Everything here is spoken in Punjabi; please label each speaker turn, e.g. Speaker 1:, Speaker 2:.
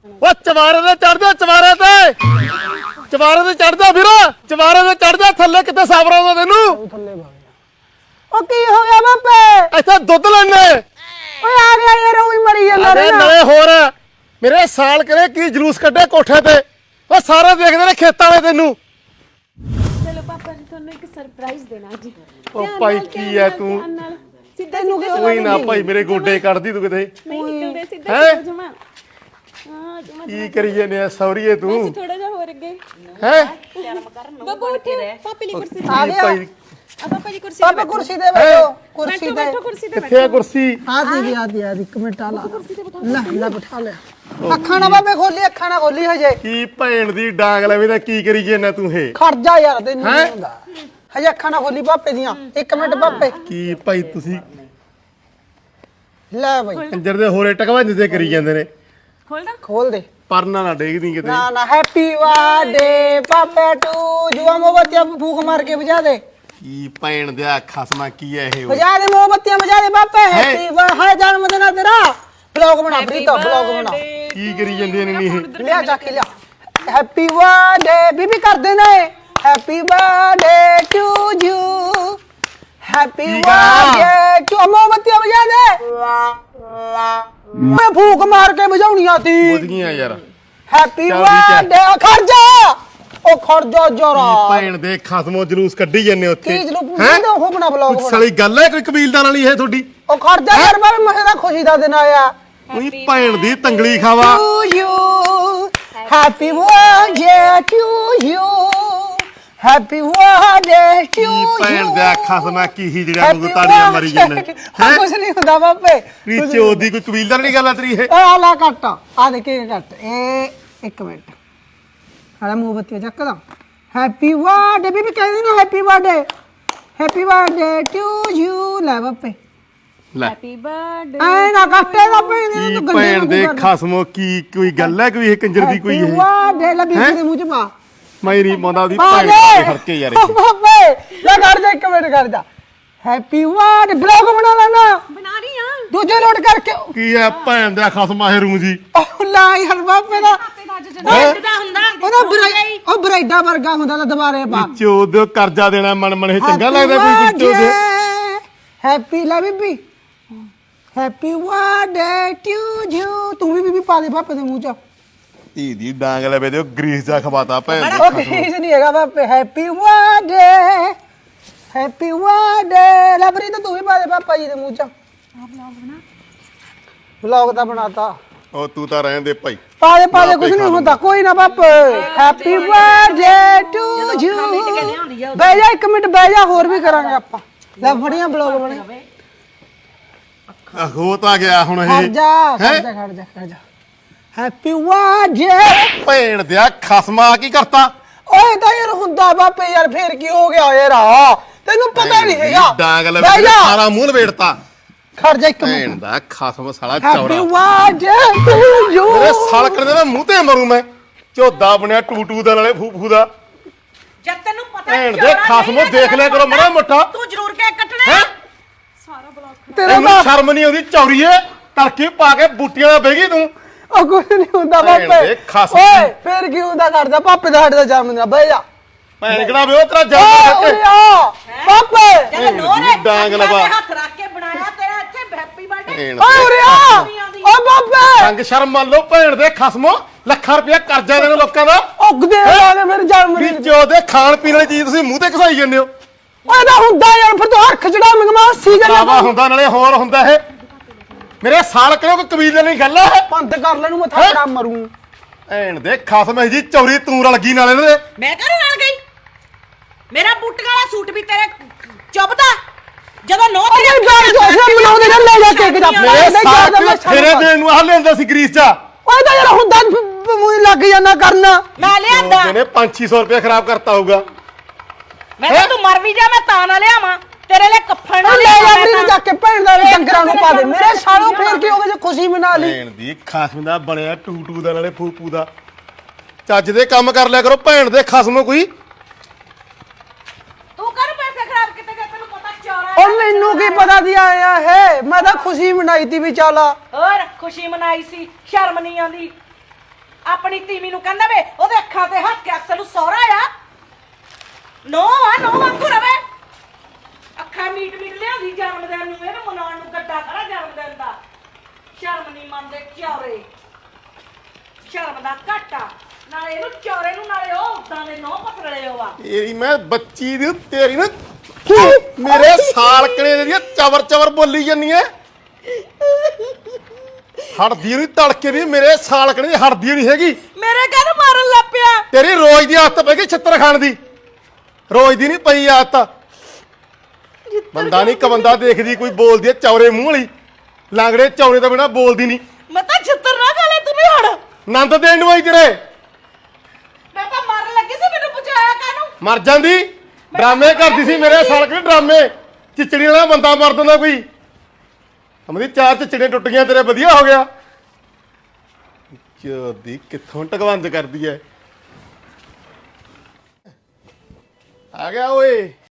Speaker 1: ਉਹ ਚਵਾਰੇ ਤੇ ਚੜਦਾ ਚਵਾਰੇ ਤੇ ਚੜਦਾ ਵੀਰ ਚਵਾਰੇ ਤੇ ਚੜਦਾ ਥੱਲੇ ਕਿਤੇ ਸਾਬਰਾ ਦਾ ਤੈਨੂੰ
Speaker 2: ਥੱਲੇ ਭਾਗ ਉਹ ਕੀ ਹੋ ਗਿਆ ਬਾਪੇ
Speaker 1: ਇੱਥੇ ਦੁੱਧ ਲੈਣੇ
Speaker 2: ਓਏ ਆ ਗਿਆ ਯਾਰ ਉਹ ਹੀ ਮਰੀ ਜਾਂਦਾ
Speaker 1: ਅਰੇ ਨਾਲੇ ਹੋਰ ਮੇਰੇ ਸਾਲ ਕਰੇ ਕੀ ਜਲੂਸ ਕੱਢੇ ਕੋਠੇ ਤੇ ਉਹ ਸਾਰੇ ਦੇਖਦੇ ਨੇ ਖੇਤਾਂ ਵਾਲੇ ਤੈਨੂੰ
Speaker 3: ਚਲੋ ਪਾਪਾ ਜੀ ਤੁਹਾਨੂੰ ਇੱਕ ਸਰਪ੍ਰਾਈਜ਼ ਦੇਣਾ ਜੀ
Speaker 1: ਉਹ ਭਾਈ ਕੀ ਐ ਤੂੰ
Speaker 3: ਤੈਨੂੰ
Speaker 1: ਕੋਈ ਨਾ ਭਾਈ ਮੇਰੇ ਗੋਡੇ ਕੱਢਦੀ ਤੂੰ ਕਿਤੇ
Speaker 3: ਨਹੀਂ ਨਿਕਲਦੇ ਸਿੱਧਾ ਜਮਾ ਹਾਂ ਜਮਾ
Speaker 1: ਕੀ ਕਰੀ ਜਾਂਦੇ ਆ ਸੌਰੀਏ ਤੂੰ
Speaker 3: ਥੋੜਾ ਜਿਹਾ ਹੋਰ ਅੱਗੇ
Speaker 1: ਹੈ
Speaker 3: ਬਾਬਾ ਉੱਠ ਪਾਪੇ ਲਈ ਕੁਰਸੀ
Speaker 2: ਆ ਗਿਆ
Speaker 1: ਭਾਈ
Speaker 3: ਆ ਪਾਪਾ ਜੀ ਕੁਰਸੀ
Speaker 2: ਪਾਪੇ ਕੁਰਸੀ ਤੇ ਬੈਠੋ ਕੁਰਸੀ ਤੇ
Speaker 3: ਬੈਠੋ ਕੁਰਸੀ ਤੇ
Speaker 1: ਕਿੱਥੇ ਆ ਕੁਰਸੀ
Speaker 2: ਆ ਦੀ ਆ ਦੀ 1 ਮਿੰਟ ਆ ਲਾ ਲੈ ਬਿਠਾ ਲੈ ਅੱਖਾਂ ਨਾ ਬਾਬੇ ਖੋਲੀ ਅੱਖਾਂ ਨਾ ਖੋਲੀ ਹਜੇ
Speaker 1: ਕੀ ਭੈਣ ਦੀ ਡਾਂਗ ਲਵੇ ਤਾਂ ਕੀ ਕਰੀ ਜਾਂਦਾ ਤੂੰ ਇਹ
Speaker 2: ਖੜ ਜਾ ਯਾਰ ਤੈਨੂੰ ਨਹੀਂ ਹੁੰਦਾ ਹਜੇ ਅੱਖਾਂ ਨਾ ਖੋਲੀ ਪਾਪੇ ਦੀਆਂ 1 ਮਿੰਟ ਪਾਪੇ
Speaker 1: ਕੀ ਭਾਈ ਤੁਸੀਂ
Speaker 2: ਲੈ ਬਈ
Speaker 1: ਕੰਜਰ ਦੇ ਹੋਰੇ ਟਕਵਾਂਜ ਤੇ ਕਰੀ ਜਾਂਦੇ ਨੇ
Speaker 3: ਖੋਲਦਾ
Speaker 2: ਖੋਲ ਦੇ
Speaker 1: ਪਰਨਾ ਨਾ ਡੇਗਦੀ ਕਿਤੇ
Speaker 2: ਨਾ ਨਾ ਹੈਪੀ ਬਰਥਡੇ ਪਾਪੇ ਟੂ ਜੁਆ ਮੋਮਬੱਤੀਆਂ ਫੂਕ ਮਾਰ ਕੇ ਵਜਾ ਦੇ
Speaker 1: ਕੀ ਭੈਣ ਦਿਆ ਖਸਮਾ ਕੀ ਐ ਇਹ
Speaker 2: ਵਜਾ ਦੇ ਮੋਮਬੱਤੀਆਂ ਵਜਾ ਦੇ ਪਾਪੇ ਹੈਪੀ ਬਰਥਡੇ ਜਨਮ ਦਿਨ ਆ ਤੇਰਾ ਵਲੌਗ ਬਣਾ ਪ੍ਰੀਤਾ ਵਲੌਗ ਬਣਾ
Speaker 1: ਕੀ ਕਰੀ ਜਾਂਦੇ ਨੇ ਨੀ ਇਹ
Speaker 2: ਲਿਆ ਜਾ ਕੇ ਲਿਆ ਹੈਪੀ ਬਰਥਡੇ ਬੀਬੀ ਕਰਦੇ ਨੇ happy birthday to you happy birthday to ਮੋਮਬੱਤੀਆਂ ਵਜਾ ਦੇ ਮੈਂ ਫੂਕ ਮਾਰ ਕੇ ਵਜਾਉਣੀਆਂ ਤੀ
Speaker 1: ਬੁੱਝ ਗਈਆਂ ਯਾਰ
Speaker 2: ਹੈਪੀ
Speaker 1: ਚੱਲ ਠੀਕ ਹੈ।
Speaker 2: ਬਰਥਡੇ ਖਰਜਾ ਉਹ ਖਰਜਾ ਜਰਾ
Speaker 1: ਕੀ ਭੈਣ ਦੇ ਖਸਮੋ ਜਲੂਸ ਕੱਢੀ ਜਾਂਦੇ ਉੱਥੇ
Speaker 2: ਕੀ ਜਲੂਸ ਪੁੱਛਦੇ ਉਹ ਬਣਾ ਵਲੌਗ
Speaker 1: ਕੁਛ ਸਾਲੀ ਗੱਲ ਹੈ ਕੋਈ ਕਬੀਲਦਾਰ ਵਾਲੀ ਇਹ ਤੁਹਾਡੀ
Speaker 2: ਉਹ ਖਰਜਾ ਯਾਰ ਬਾਬੇ ਮੈਂ ਤਾਂ ਖੁਸ਼ੀ ਦਾ ਦਿਨ ਆਇਆ
Speaker 1: ਉਹੀ ਭੈਣ ਦੀ ਤੰਗਲੀ ਖਾਵਾ
Speaker 2: to you happy birthday to you happy birthday to
Speaker 1: Ki
Speaker 2: you
Speaker 1: ਭੈਣ ਦਾ ਖਸਮਾ ਕੀ ਹੀ ਜਿਹੜਾ ਨੂੰ ਤਾੜੀਆਂ ਮਾਰੀ ਜਾਂਦੇ
Speaker 2: ਹਾਂ ਕੁਛ ਨਹੀਂ ਹੁੰਦਾ ਬਾਬੇ
Speaker 1: ਨੀਚੇ ਉਹਦੀ ਕੋਈ ਕਬੀਲਦਾਰ ਨਹੀਂ ਗੱਲ ਆ ਤੇਰੀ ਇਹ
Speaker 2: ਆ ਲਾ ਕੱਟ ਆ ਦੇ ਕੇ ਕੱਟ ਇਹ 1 ਮਿੰਟ ਹਾਲਾ ਮੋਮਬੱਤੀ ਚੱਕਦਾ ਹੈਪੀ ਬਰਥਡੇ ਬੀਬੀ ਕਹਿੰਦੀ ਨਾ ਹੈਪੀ ਬਰਥਡੇ ਟੂ ਯੂ ਲੈ ਬਾਪੇ
Speaker 1: ਲੈ
Speaker 3: ਹੈਪੀ ਬਰਥਡੇ
Speaker 2: ਐ ਨਾ ਕੱਟੇ ਦਾ ਪੈਣੇ
Speaker 1: ਕੀ ਭੈਣ ਦੇ ਖਸਮੋ ਕੀ ਕੋਈ ਗੱਲ ਹੈ ਕੋਈ ਇਹ ਕੰਜਰ ਦੀ ਕੋਈ ਇਹ
Speaker 2: ਬਰਥਡੇ ਲੈ ਬੀਬੀ ਦੇ ਮੂੰਹ ਚ ਪਾ
Speaker 1: ਮੈਂ ਨਹੀਂ ਪਾਉਂਦਾ ਉਹਦੀ
Speaker 2: ਪਾ
Speaker 1: ਭੈਣ
Speaker 2: ਦੇ
Speaker 1: ਦੇ ਹਰਕੇ ਯਾਰ ਇਹ।
Speaker 2: ਬਾਬੇ ਲੈ ਕਰ ਜਾ 1 ਮਿੰਟ ਕਰ ਜਾ ਹੈਪੀ ਬਰਥਡੇ ਬਲੌਗ ਬਣਾ ਲੈਣਾ
Speaker 3: ਬਣਾ ਰਹੀ ਆ
Speaker 2: ਦੂਜੇ ਲੋਡ ਕਰਕੇ
Speaker 1: ਕੀ ਹੈ ਭੈਣ ਦਾ ਖਸਮਾ ਇਹ ਰੂ ਜੀ
Speaker 2: ਉਹ ਲਾ ਯਾਰ ਬਾਬੇ ਦਾ
Speaker 3: ਦਾ ਹੁੰਦਾ
Speaker 2: ਉਹ ਬਰਾਈਡਾ ਵਰਗਾ ਹੁੰਦਾ ਤਾਂ ਦੁਬਾਰੇ ਪਾ
Speaker 1: ਚੋਦ ਕਰਜ਼ਾ ਦੇਣਾ ਮਨ ਮਨ ਇਹ ਚੰਗਾ ਲੱਗਦਾ ਕੋਈ ਚੋਦ
Speaker 2: ਹੈਪੀ ਲਾ ਬੀਬੀ ਹੈਪੀ ਬਰਥਡੇ ਟੂ ਯੂ ਤੂੰ ਵੀ ਬੀਬੀ ਪਾ ਦੇ ਬਾਪੇ ਦੇ ਮੂੰਹ ਚ
Speaker 1: ਧੀ ਦੀ ਡਾਂਗ ਲਵੇ ਤੇ ਉਹ ਗਰੀਸ ਜਾ ਖਵਾਤਾ ਭੈਣ
Speaker 2: ਉਹ ਕਿਸੇ ਨਹੀਂ ਹੈਗਾ ਬਾਪੇ ਹੈਪੀ ਬਰਥਡੇ ਲਬਰੀ ਤਾਂ ਤੂੰ ਵੀ ਪਾ ਦੇ ਪਾਪਾ ਜੀ ਦੇ ਮੂੰਹ ਚ ਵਲੌਗ ਤਾਂ ਬਣਾਤਾ
Speaker 1: ਉਹ ਤੂੰ ਤਾਂ ਰਹਿਣ ਦੇ ਭਾਈ
Speaker 2: ਪਾ ਦੇ ਕੁਝ ਨਹੀਂ ਹੁੰਦਾ ਕੋਈ ਨਾ ਬਾਪੇ ਹੈਪੀ ਬਰਥਡੇ ਟੂ ਯੂ ਬਹਿ ਜਾ 1 ਮਿੰਟ ਬਹਿ ਜਾ ਹੋਰ ਵੀ ਕਰਾਂਗੇ ਆਪਾਂ ਲੈ ਫੜੀਆਂ ਬਲੌਗ ਬਣੇ
Speaker 1: ਹੋ ਤਾਂ ਗਿਆ ਹੁਣ
Speaker 2: ਖੜ
Speaker 1: ਇਹ
Speaker 2: ਜਾ ਹੈਪੀ ਬਰਥਡੇ
Speaker 1: ਭੈਣ ਦਿਆ ਖਸਮਾ ਕੀ ਕਰਤਾ
Speaker 2: ਓਏ ਤਾਂ ਯਾਰ ਹੁੰਦਾ ਬਾਪੇ ਯਾਰ ਫੇਰ ਕੀ ਹੋ ਗਿਆ ਯਾਰ ਤੈਨੂੰ ਪਤਾ ਨਹੀਂ ਹੈਗਾ
Speaker 1: ਡਾਂਗ
Speaker 2: ਬਹਿ
Speaker 1: ਲਵੇ
Speaker 2: ਜਾ
Speaker 1: ਸਾਰਾ ਮੂੰਹ ਲਵੇੜਤਾ
Speaker 2: ਖੜ ਜਾ 1
Speaker 1: ਭੈਣ
Speaker 2: ਮਿੰਟ
Speaker 1: ਦਾ ਖਸਮ ਸਾਲਾ
Speaker 2: ਹੈਪੀ
Speaker 1: ਚੌਰਾ
Speaker 2: ਬਰਥਡੇ ਟੂ ਯੂ
Speaker 1: ਮੇਰੇ ਸਲਕਣ ਦੇ ਮੈਂ ਮੂੰਹ ਤੇ ਮਰੂ ਮੈਂ ਝੋਦਾ ਬਣਿਆ ਟੂ ਦਾ ਨਾਲੇ ਫੂ ਦਾ
Speaker 4: ਜਦ ਤੈਨੂੰ ਪਤਾ
Speaker 1: ਭੈਣ ਦੇ ਖਸਮੋ ਦੇਖ ਲਿਆ ਕਰੋ ਮੜਾ ਮੋਟਾ
Speaker 4: ਤੂੰ ਜ਼ਰੂਰ ਕੇਕ ਕੱਟਣਾ ਹੈ
Speaker 2: ਤੇਰਾ
Speaker 1: ਤੈਨੂੰ ਸ਼ਰਮ ਨਹੀਂ ਆਉਂਦੀ ਚੌਰੀਏ ਤੜਕੇ ਪਾ ਕੇ ਬੂਟੀਆਂ ਦਾ ਬਹਿ ਗਈ ਤੂੰ
Speaker 2: ਉਹ ਕੁਝ ਨਹੀਂ ਹੁੰਦਾ
Speaker 1: ਭੈਣ
Speaker 2: ਬਾਪੇ
Speaker 1: ਦੇ ਖਸਮ।
Speaker 2: ਓਏ ਫੇਰ ਕੀ ਹੁੰਦਾ ਕਰਦਾ ਪਾਪੇ ਦਾ ਸਾਡੇ ਦਾ ਜਨਮ ਦਿਨ ਬਹਿ ਜਾ
Speaker 1: ਭੈਣ ਕਿਹੜਾ ਵੇ ਉਹ ਤੇਰਾ
Speaker 2: ਓਏ
Speaker 1: ਜੰਮ
Speaker 2: ਉਰੇ ਆ ਪਾਪੇ
Speaker 4: ਜਦ ਨੋਰੇ
Speaker 1: ਡਾਂਗ ਲਵਾ।
Speaker 4: ਹੱਥ ਰੱਖ ਕੇ ਬਣਾਇਆ ਤੇਰਾ ਇੱਥੇ ਹੈਪੀ ਬਰਥਡੇ
Speaker 1: ਭੈਣ
Speaker 2: ਓਏ ਉਰੇ ਆ ਓ ਬਾਪੇ
Speaker 1: ਸੰਗ ਸ਼ਰਮ ਮੰਨ ਲਓ ਭੈਣ ਦੇ ਖਸਮੋ ਲੱਖਾਂ ਰੁਪਇਆ ਕਰਜ਼ਾ ਦੇਣ ਲੋਕਾਂ ਦਾ
Speaker 2: ਉਗਦੇ ਵਾਲੇ ਮੇਰੇ ਜਨਮ
Speaker 1: ਵੀ
Speaker 2: ਦਿਨ
Speaker 1: ਜੋ ਦੇ ਖਾਣ ਪੀਣ ਵਾਲੀ ਚੀਜ਼ ਤੁਸੀਂ ਮੂੰਹ ਤੇ ਘਸਾਈ ਜਾਂਦੇ ਹੋ
Speaker 2: ਓਏ ਤਾਂ ਹੁੰਦਾ ਯਾਰ ਫਿਰ ਤੂੰ ਹੱਥ ਚੜਾ ਮੰਗਵਾ ਸੀ
Speaker 1: ਲਾਵਾ
Speaker 2: ਗੱਲ
Speaker 1: ਹੁੰਦਾ ਨਾਲੇ ਹੋਰ ਹੁੰਦਾ ਇਹ ਮੇਰੇ ਸਾਲ ਕਿਉਂ ਕੋਈ ਕਬੀਲੇ ਨਹੀਂ ਗੱਲ ਹੈ
Speaker 2: ਪੰਤ ਕਰ ਲੈਨੂੰ ਮੈਂ ਥਾਪੜਾ ਮਰੂ
Speaker 1: ਭੈਣ ਦੇ ਖਸਮ ਜੀ ਚੌਰੀ ਤੂੰ ਰਲ ਗਈ ਨਾਲੇ ਇਹਦੇ
Speaker 4: ਮੈਂ ਘਰ ਨਾਲ ਗਈ ਮੇਰਾ ਬੂਟ ਵਾਲਾ ਸੂਟ ਵੀ ਤੇਰੇ ਚੁੱਭਦਾ ਜਦੋਂ ਨੋ
Speaker 2: ਓਏ ਗੱਲ ਜੋਸ਼ੇ ਬਣਾਉਂਦੇ ਨੇ ਲੈ ਜਾ ਕੇ
Speaker 1: ਮੇਰੇ ਸਾਲ ਫੇਰੇ ਦੇਣ ਨੂੰ ਆਹ ਲੈਂਦਾ ਸੀ ਗਰੀਸ ਚ
Speaker 2: ਓਏ ਤਾਂ ਯਾਰ ਹੁੰਦਾ ਮੂੰਹ ਲੱਗ ਜਾਂਦਾ ਕਰਨ
Speaker 4: ਮੈਂ ਲਿਆਂਦਾ
Speaker 1: ਇਹਨੇ 500 ਰੁਪਇਆ ਖਰਾਬ ਕਰਤਾ ਹੋਊਗਾ
Speaker 4: ਮੈਂ ਕਿਹਾ ਤੂੰ ਮਰ ਵੀ ਜਾ ਮੈਂ ਤਾਂ ਨਾ ਲਿਆਵਾਂ ਤੇਰੇ ਲਈ ਕੱਫਣ ਨਾ
Speaker 2: ਲੈ ਜਾ
Speaker 4: ਲਿਆਵਾਂ
Speaker 2: ਮੇਰੇ ਜਾ ਕੇ ਭੈਣ ਦਾ ਡੰਗਰਾਂ ਨੂੰ ਪਾ ਦੇ ਮੇਰੇ ਸਾਲੋਂ ਫੇਰ ਕੀ ਹੋ ਗਿਆ ਜੇ ਖੁਸ਼ੀ ਮਨਾ ਲਈ
Speaker 1: ਭੈਣ ਦੀ ਖਸਮ ਦਾ ਬਣਿਆ ਟੂ ਦਾ ਨਾਲੇ ਫੂਪੂ ਦਾ ਚੱਜ ਦੇ ਕੰਮ ਕਰ ਲਿਆ ਕਰੋ ਭੈਣ ਦੇ ਖਸਮ ਕੋਈ
Speaker 4: ਤੂੰ ਕਰ ਪੈਸੇ ਖਰਾਬ ਕਿਤੇ ਗਏ ਤੈਨੂੰ ਪਤਾ ਚੋਰਾ
Speaker 2: ਉਹ ਮੈਨੂੰ ਕੀ ਪਤਾ ਦੀ ਆਇਆ ਹੈ ਮੈਂ ਤਾਂ ਖੁਸ਼ੀ ਮਨਾਈ ਤੀ ਵੀ ਚੱਲ
Speaker 4: ਹੋਰ ਖੁਸ਼ੀ ਮਨਾਈ ਸੀ ਸ਼ਰਮ ਨਹੀਂ ਆਉਂਦੀ ਆਪਣੀ ਤੀਵੀਂ ਨੂੰ ਕਹਿੰਦਾ ਵੇ ਉਹਦੇ ਅੱਖਾਂ ਤੇ ਹੱਥ ਕੇ ਅਕਸਰ ਨੂੰ ਸਹੁਰਾ ਆ ਨੋ ਵਾਂਗੂ ਰਵੇ ਅੱਖਾਂ ਮੀਟ ਲਿਆਉਂਦੀ ਜਨਮਦਿਨ ਨੂੰ ਇਹਨੂੰ ਮਨਾਉਣ ਨੂੰ ਗੱਡਾ ਖੜਾ ਜਨਮਦਿਨ ਦਾ ਸ਼ਰਮ ਨਹੀਂ ਮੰਨਦੇ ਚੌਰੇ ਸ਼ਰਮ ਦਾ ਘਾਟਾ ਨਾਲੇ ਇਹਨੂੰ ਚੌਰੇ ਨੂੰ ਨਾਲੇ ਉਹ ਉਦਾਂ ਦੇ ਨੌ ਪਕੜਲੇ ਹੋਵਾ
Speaker 1: ਤੇਰੀ ਮੈਂ ਬੱਚੀ ਦੀ ਤੇਰੀ ਨਾ ਮੇਰੇ ਸਾਲਕਣੇ ਦੀ ਚਵਰ ਚਵਰ ਬੋਲੀ ਜੰਨੀ ਐ ਹੜਦੀ ਨਹੀਂ ਤੜਕੇ ਦੀ ਮੇਰੇ ਸਾਲਕਣੇ ਦੀ ਹੜਦੀ ਨਹੀਂ ਹੈਗੀ
Speaker 4: ਮੇਰੇ ਘਰ ਮਾਰਨ ਲੱਗ ਪਿਆ
Speaker 1: ਤੇਰੀ ਰੋਜ਼ ਦੀ ਆਦਤ ਪੈ ਗਈ ਛਿੱਤਰ ਖਾਣ ਦੀ ਰੋਜ਼ ਦੀ ਨਹੀਂ ਪਈ ਆਦਤ ਬੰਦਾ ਨਹੀਂ ਕਬੰਦਾ ਦੇਖਦੀ ਕੋਈ ਬੋਲਦੀ ਐ ਚੌਰੇ ਮੂੰਹ ਵਾਲੀ ਲਾਂਗੜੇ ਚੌਰੇ ਤੋਂ ਬਿਨਾ ਬੋਲਦੀ ਨਹੀਂ
Speaker 4: ਮੈਂ ਤਾਂ ਛਿੱਤਰ ਨਾ ਖਾ ਲੈ ਤੂੰ ਵੀ ਹੜ
Speaker 1: ਨੰਦ ਦੇਣ ਨੂੰ ਆਈ ਤੇਰੇ
Speaker 4: ਮੈਂ ਤਾਂ ਮਾਰਨ ਲੱਗੀ ਸੀ ਮੈਨੂੰ ਬਚਾਇਆ ਕਾਹਨੂੰ
Speaker 1: ਮਰ ਜਾਂਦੀ ਡਰਾਮੇ ਕਰਦੀ ਸੀ ਮੇਰੇ ਸਾਲਕਣੇ ਡਰਾਮੇ ਚਿਚੜੀ ਵਾਲਾ ਬੰਦਾ ਮਰ ਦਿੰਦਾ ਕੋਈ ਅਮਦੀ ਚਾਰ ਚਿਚੜੀਆਂ ਟੁੱਟ ਗਈਆਂ ਤੇਰੇ ਵਧੀਆ ਹੋ ਗਿਆ ਚੋਦੀ ਕਿੱਥੋਂ ਟਕਵੰਦ ਕਰਦੀ ਐ ਆ ਗਿਆ ਓਏ